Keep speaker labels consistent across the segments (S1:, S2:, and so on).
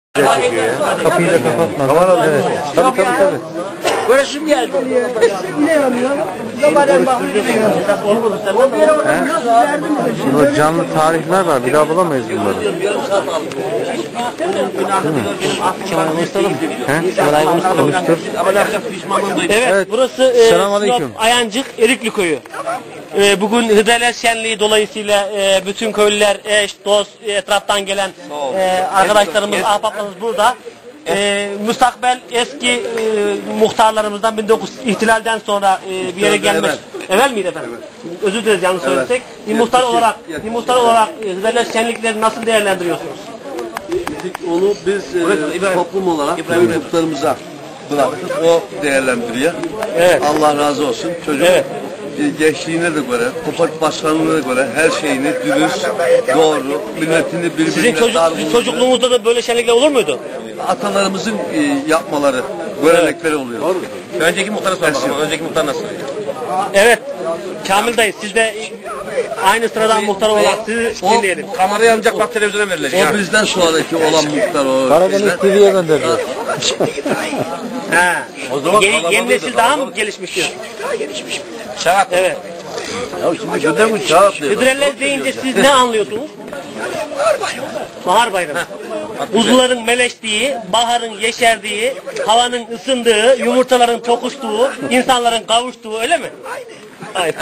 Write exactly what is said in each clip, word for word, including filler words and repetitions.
S1: Çekiyor ya. Kapıyı da kapatma. Kamera evet. Tabii tabii tabii.
S2: Burası geldi. Ne yapıyor?
S1: Şimdi canlı tarihler var. Bir daha bulamayız bunları.
S3: Kemal konuşturalım.
S1: He?
S3: Kemal konuştur. Evet, evet, burası e, Sinop Ayancık Erikli Köyü. E, bugün Hıdrellez Şenliği dolayısıyla e, bütün köylüler, eş, dost, etraftan gelen e, arkadaşlarımız, ahbaplarımız burada. E, müstakbel eski e, muhtarlarımızdan bin dokuz yüz ihtilalden sonra e, bir yere gelmiş. Evvel miydi efendim? Evet. Özür dileriz yanlış evet. söylesek. Bir muhtar olarak, bir muhtar olarak e, Hıdrellez Şenlikleri nasıl değerlendiriyorsunuz?
S4: Onu biz e, toplum olarak muhtarımıza bıraktık. O değerlendiriyor. Evet. Allah razı olsun. Çocuk evet. gençliğine de göre, topluluk başkanlığına göre her şeyini dürüst, doğru, milletini birbirine...
S3: Sizin çocuk, çocukluğunuzda da böyle şenlikler olur muydu?
S4: Atalarımızın e, yapmaları, görenekleri oluyor. Doğru.
S3: Önceki muhtara soralım. Önceki muhtar nasıl? Evet. Kamil dayı siz de aynı sıradan muhtar olarak sizi dinleyelim.
S4: Kamerayı ancak bak televizyona verilecek. O yani. Bizden sonraki olan muhtar o.
S1: Karadeniz T V'ye gönderdi.
S3: Ha. O zaman yeni, yeni nesil daha mı gelişmiş diyor?
S4: Daha gelişmiş. Şarap.
S3: Evet.
S4: Ya şimdi gönder bu şarap diyor.
S3: Hıdrellez deyince siz ne anlıyorsunuz? Bahar bayramı. Bahar bayramı. Kuzuların meleştiği, baharın yeşerdiği, havanın ısındığı, yumurtaların tokuştuğu, insanların kavuştuğu öyle mi? Aynen.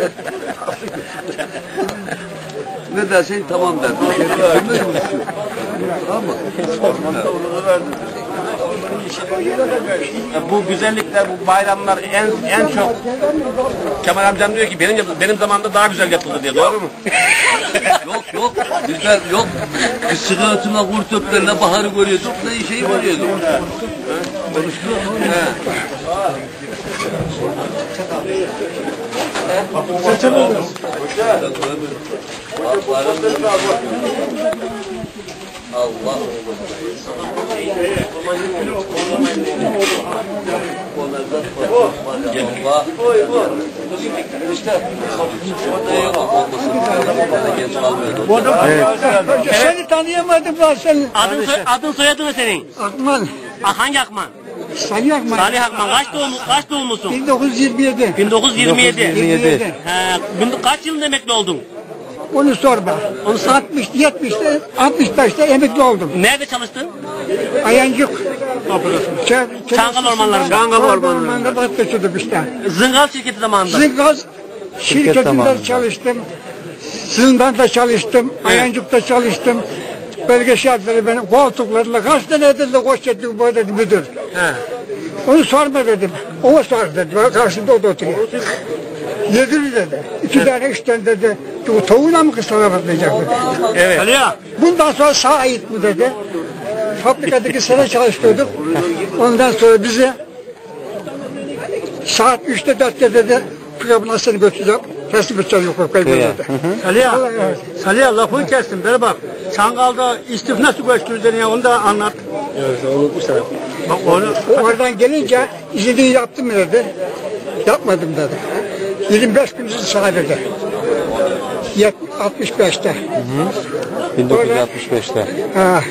S4: Ne dersen tamam der. Tamam mı?
S2: Bu güzellikler, bu bayramlar en en çok Kemal amcam diyor ki benim benim zamanımda daha güzel yapıldı diye. Doğru mu?
S4: Yok yok. Bizler yok. Biz sıkıntına kurt öplerle baharı görüyorduk. Ne şeyi görüyorduk. Konuştu.
S2: Seçemeyiz.
S4: Allah.
S2: Evet. Seni tanıyamadım ben seni.
S3: Adın, soy, adın soyadın ne senin?
S2: Akman.
S3: Ah, hangi Akman?
S2: Salih Akman.
S3: Salih Akman. Kaç doğum, kaç doğumlusun?
S2: bin dokuz yüz yirmi yedi.
S3: bin dokuz yüz yirmi yedi.
S1: yirmi yedi.
S3: He, kaç yılında emekli oldun?
S2: Onu sorma. Onu altmış, yetmişte, altmış beşte emekli oldum.
S3: Nerede çalıştın?
S2: Ayancık.
S3: Çangal ormanlarında.
S2: Çangal ormanlarında da taşıdım işte.
S3: Zıngal şirketi zamanında.
S2: Zıngal şirketinde çalıştım. Zindanda çalıştım. Evet. Ayancık'ta çalıştım. Bölge şartları benim koltuklarla kaç tane edildi koş ettim bu dedi müdür. He. Onu sorma dedim. O sor dedi. Karşımda o da oturuyor. Yedir dedi. İki evet. tane üç tane dedi. Bu tavuğuna mı kısalama diyecek dedi.
S3: Evet. Aliya.
S2: Bundan sonra sağa ait mi dedi. Fabrikadaki sene çalıştırdık. Ondan sonra bize saat üçte dörtte dedi. Programına seni götüreceğim. Teslim edeceğim yok dedi.
S5: Aliya, Aliya lafını kestim. Bana bak. Çangal'da istif nasıl göçtürdün ya onu da anlat.
S3: Evet, unutmuşlar.
S2: Bak onu, oradan gelince izini yaptım mı dedi. Yapmadım dedi. yirmi beş gün izin sadece. altmış beşte.
S1: bin dokuz yüz altmış beşte.
S2: Ha.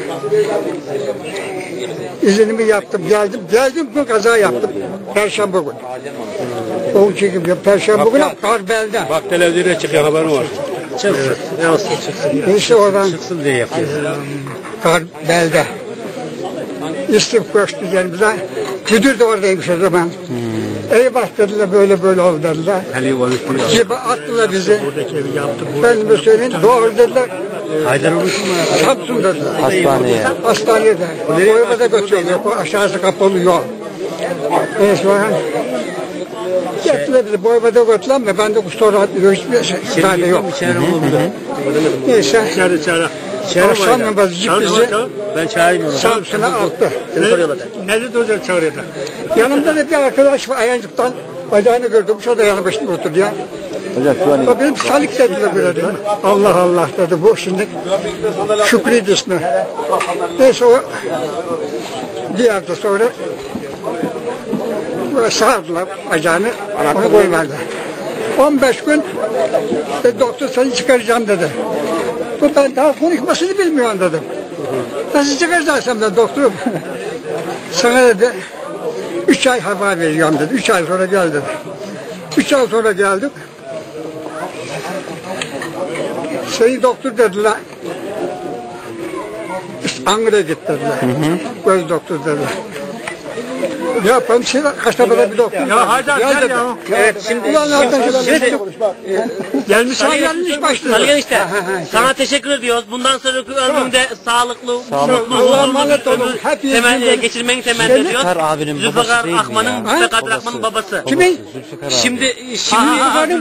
S2: İzinimi yaptım, geldim. Geldim gün kaza yaptım. Perşembe gün. O çekim ya Perşembe günü kar belden.
S5: Bak televizyona çıkıyor haberin var. Çıksın. Ne olsun çıksın.
S2: İşte oradan
S5: çıksın diye yapıyor.
S2: Kar belde. İstif koştu yanımıza. Müdür de oradaymış o zaman. Hmm. Eyvah dediler böyle böyle oldu dediler. Gibi attılar bizi. Ben de söyleyeyim doğru dediler.
S5: Haydar olursun mu?
S2: Samsun dediler.
S1: Hastaneye.
S2: Hastaneye de. Boyuma da götürüyorlar. Aşağısı kapalı yol. Neyse sonra. Gittiler bizi boyuma da götürdüler ama ben de sonra hiçbir şey tane yok. Neyse.
S5: İçeride içeride.
S2: Akşam namazı bizi
S5: ben çağırayım onu.
S2: Samsun'a attı.
S5: Nerede duracak çağırıyorlar?
S2: Yanımda da bir arkadaş var Ayancık'tan bacağını gördüm. O da yanı başında oturdu ya. O benim Salik dediler böyle dedim. Allah Allah dedi bu şimdi. Şükrü'ydü ismi. Neyse o diğer de sonra böyle sardılar bacağını. Onu koymadı. on beş gün e, doktor seni çıkaracağım dedi. Bu ben daha konuşmasını bilmiyorum dedim. Nasıl çıkacaksın ben doktorum? Sana dedi, üç ay hava vereceğim dedi. Üç ay sonra gel dedi. Üç ay sonra geldik. Şeyi doktor dediler. Ankara'ya git dediler. Göz doktor dediler. Ne yapalım? Şey, Kaştepe'de bir doktor.
S5: Ya Haydar gel ya.
S3: Evet şimdi
S2: Ulan nereden
S3: şimdi
S2: gelmiş? Sana gelmiş başladı.
S3: Salgen işte. Sana teşekkür ediyoruz. Bundan sonraki ömründe sağlıklı, mutlu,
S2: Allah'a
S3: huzurlu
S2: emanet
S3: bir
S2: olun.
S3: ömür
S2: Hepiniz
S3: temel,
S2: böyle-
S3: geçirmeyi temenni ediyoruz.
S1: Zülfikar abinin babası
S3: Zülfikar
S1: değil mi
S3: Akman'ın,
S1: ya?
S3: Zülfikar Akman'ın babası.
S2: Kimin?
S1: Zülfikar abi.
S3: Şimdi şimdi